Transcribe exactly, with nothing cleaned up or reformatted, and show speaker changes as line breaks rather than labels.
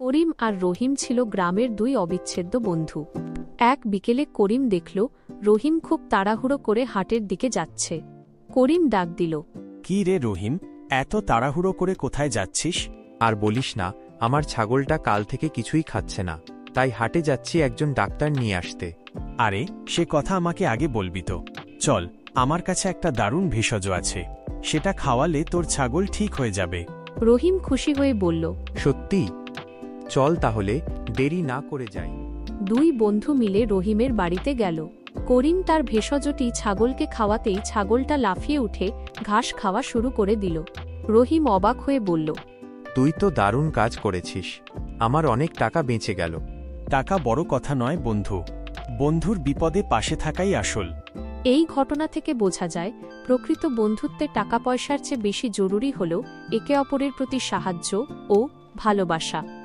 করিম আর রহিম ছিল গ্রামের দুই অবিচ্ছেদ্য বন্ধু। এক বিকেলে করিম দেখল রহিম খুব তাড়াহুড়ো করে হাটের দিকে যাচ্ছে। করিম ডাক দিল,
কি রে রহিম, এত তাড়াহুড়ো করে কোথায় যাচ্ছিস?
আর বলিস না, আমার ছাগলটা কাল থেকে কিছুই খাচ্ছে না, তাই হাটে যাচ্ছি একজন ডাক্তার নিয়ে আসতে।
আরে সে কথা আমাকে আগে বলবি তো। চল, আমার কাছে একটা দারুণ ভেষজ আছে, সেটা খাওয়ালে তোর ছাগল ঠিক হয়ে যাবে।
রহিম খুশি হয়ে বলল,
সত্যি? চল তাহলে, দেরি না করে যাই।
দুই বন্ধু মিলে রহিমের বাড়িতে গেল। করিম তার ভেষজটি ছাগলকে খাওয়াতেই ছাগলটা লাফিয়ে উঠে ঘাস খাওয়া শুরু করে দিল। রহিম অবাক হয়ে বলল,
তুই তো দারুণ কাজ করেছিস, আমার অনেক টাকা বেঁচে গেল।
টাকা বড় কথা নয় বন্ধু, বন্ধুর বিপদে পাশে থাকাই আসল।
এই ঘটনা থেকে বোঝা যায় প্রকৃত বন্ধুত্বে টাকা পয়সার চেয়ে বেশি জরুরি হল একে অপরের প্রতি সাহায্য ও ভালোবাসা।